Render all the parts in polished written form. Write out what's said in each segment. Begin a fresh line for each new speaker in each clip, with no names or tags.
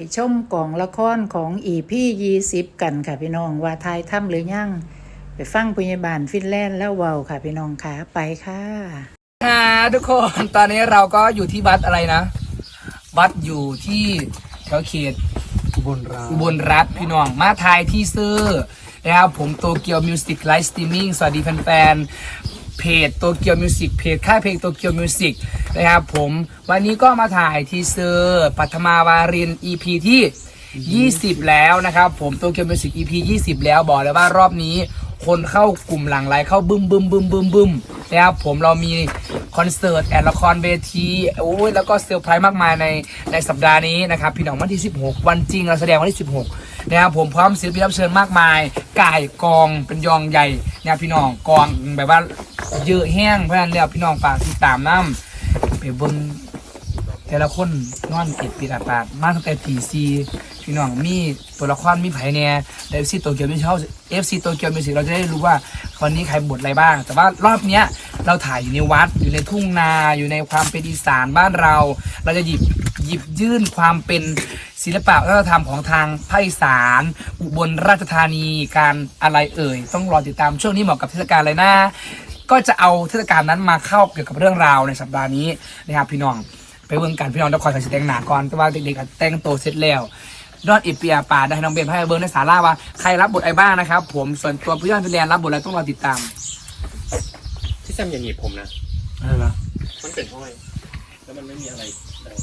ชมกองละครของEP20กันค่ะพี่น้องว่าทายถ้ำหรือยังไปฟังพยาบาลฟินแลนด์แล้วเว้าค่ะพี่น้องค่ะไปค่ะ
ทุกคนตอนนี้เราก็อยู่ที่วัดอะไรนะวัดอยู่ที่แถวเขตอุบลรัฐพี่น้องมาทายที่ซื้อนะครับผมโตเกียวมิวสิกไลฟ์สตรีมมิ่งสวัสดีแฟนๆเพจโตเกียวมิวสิกเพจค่ายเพลงโตเกียวมิวสิกนะครับผมวันนี้ก็มาถ่ายทีเซอร์ปัทมาวาริน EP ที่20แล้วนะครับผมโตเกียวมิวสิก EP 20แล้วบอกเลยว่ารอบนี้คนเข้ากลุ่มหลั่งไหลเข้าบึ้มนะครับผมเรามีคอนเสิร์ตแอดละครเวทีโอ้ยแล้วก็เซอร์ไพรส์มากมายในสัปดาห์นี้นะครับพี่น้องวันที่16วันจริงเราแสดงวันที่16นะครับผมพร้อมศิลปินรับเชิญมากมายก่ายกองเป็นยองใหญ่นะครับพี่น้องกองแบบว่าเยอะแห้งเพราะฉะนั้นแล้วพี่น้องฝากติดตามน้ำไปเบิ่งแต่ละคนนอนปิดอาปาดมาตั้งแต่ตีซีพี่น้องมีตัวละครมีไผ่แน่เอฟซีโตเกียวมิวสิกFC โตเกียวมิวสิกเราจะได้รู้ว่าวันนี้ใครบทอะไรบ้างแต่ว่ารอบเนี้ยเราถ่ายอยู่ในวัดอยู่ในทุ่งนาอยู่ในความเป็นอีสานบ้านเราจะหยิบยื่นความเป็นศิลปะวัฒนธรรมของทางภาคอีสานอุบลราชธานีการอะไรต้องรอติดตามช่วงนี้เหมาะกับเทศกาลอะไรนะก็จะเอาเทศกาลนั้นมาเข้าเกี่ยวกับเรื่องราวในสัปดาห์นี้นะครับพี่น้องไปเบิ่งกันพี่น้องต้องคอยใส่ชุดแต่งหน้าก่อนแต่ว่าเด็กๆแต่งตัวเสร็จแล้วนอดอิปเปียป่าได้น้องเบนให้เบิร์ในสาราว่าใครรับบทไอ้บ้างนะครับผมส่วนตัวพี่ยอดพี่แลนรับบทอะไรต้องรอติดตาม
ที่แซมอย่าหนีบผมนะ
อะไรวะ
มันเป็นห้อยแล้วมันไม่มีอะไร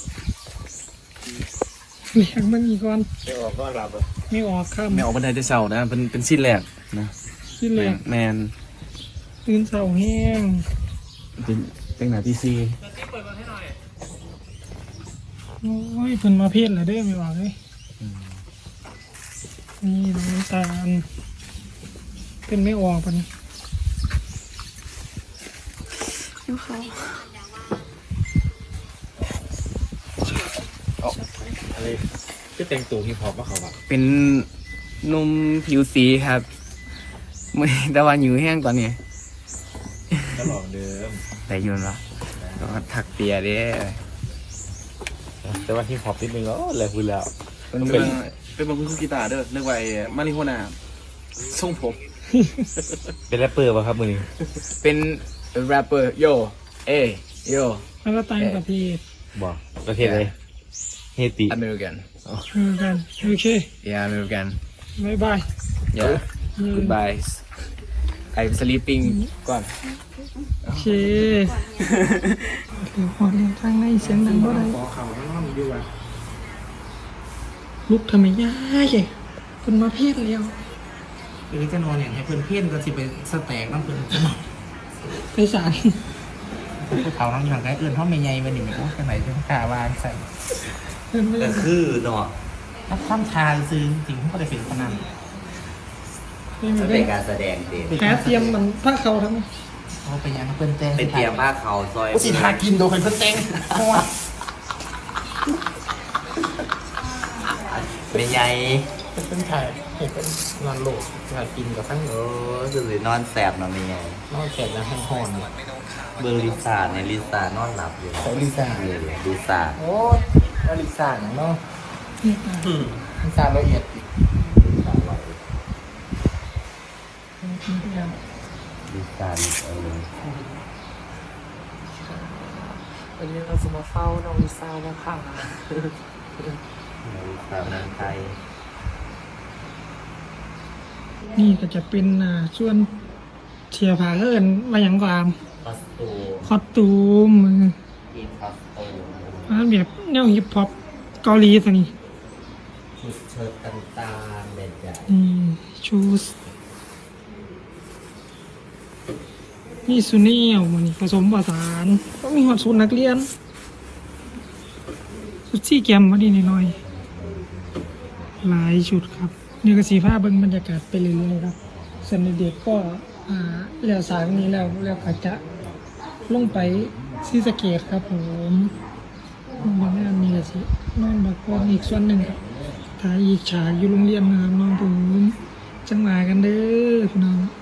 เลี้ยงมันมีก่อน
ไม่ออกก็รับเลย
ไม่ออกข้าม
ไม่ออกบันไดจะเสานะเป็นสิ้นแรกนะ
ขึ้นเลย
แมน
ตื่นเสาแห้ง
เป็นหนาที่ซี
โอ้ยเพิ่นมาเพี้ยนเลยเด้อไม่ออกเลยนี่น้ำตาลเป็นไม่ออกปะนี่ดูเขา
อะไรที่แต่งตัวฮิปฮอปว่าเขาแบบ
เป็นนุ่มผิวสีครับไม่แต่ว่าอยู่แห้งตอนนี้
ก็หลอกเดิม
แต่ยืนละก็ถักเปียเด้
แต่ว่าฮิปฮอปนิดนึงก็เลยพูดแล้ว
เป็นบางคนกีตาร์เด้อเรียกว่ามาริโฮน่าทรงผม
เป็นแรปเปอร์ป่ะครับมือนี้
เป็นแรปเปอร์โยโย
แล้วก็ต่างประเทศ
บอกประเทศเลยเฮติ
อเมริกัน
กันโอเค
อเมริกัน
บ๊ายบาย
goodbye I'm sleeping ก่อน
โอเคถือหัวเรียงทางในเสียงดังเท่าไรลุกทำไมยากเลยคนมาเพี้ยนเลี้ยว
จะนอนอย่างให้เพื่อนเพี้ยนก็สิไปสแต็กน้ำเพื่อน
ไปสาร
ภูเขาทั้งอย่างไรเพราะไม่ใหญ่วันนี้ไม่รู้แค่ไหนจะกล้าวางใส่
แต่คือเนาะ
ถ้าข้ามชาซื้อจริงเขาจะเป็นพนัน
เป็นการแสดงเด็ด
แพ้เตรียมมันผ้าเขาทั้ง
เขาไปยังเพื่อนแตง
ไปเตรียมผ้าเขาซอย
สิทากินโดยเพื่อนแตง
เป็นไง
เป็นถ่ายเห็นเป็นนอนโหลดถ่ายกินกับทั้ง
คือเลยนอนแสบนอนเป็นไง
นอนแสบแล้วทั้งหอน
เบอร์ลิซ่าในลิซ่านอนหลับอยู่
ลิซ่า
ลิซ่า
โอ้ลิซ่าเนาะลิซ่าละเอียด
ลิซ่า
วันนี้เราจะมาเฝ้าน้องลิซ่าแล้วค่ะ
ลิซ่าเมืองไทย
นี่ก็จะเป็นส่วนเชียร์ผาเอิญมาอย่างกว่าคอสตูมอันแบบแนวฮิปฮอปเกาหลีสินี่
ชุดเชิ้ตต่างๆแบบใหญ่
ชูสนี่ซูเนียลมันผสมผสานก็มีหอดสูตรนักเรียนชุดซี่แกมมาดีหน่อยหลายชุดครับนี่ก็สีฟ้าเบิ้งบรรยากาศไปเรื่อยๆครับส่วนเด็กก็แล้วสายนี้แล้วก็จะลงไปซีสเกตครับผมบางงานมีสินอนบักกองอีกส่วนหนึ่งครับถ่ายอีกฉากอยู่โรงเรียนนะครับน้องผมจังหวะกันเด้อพี่น้อง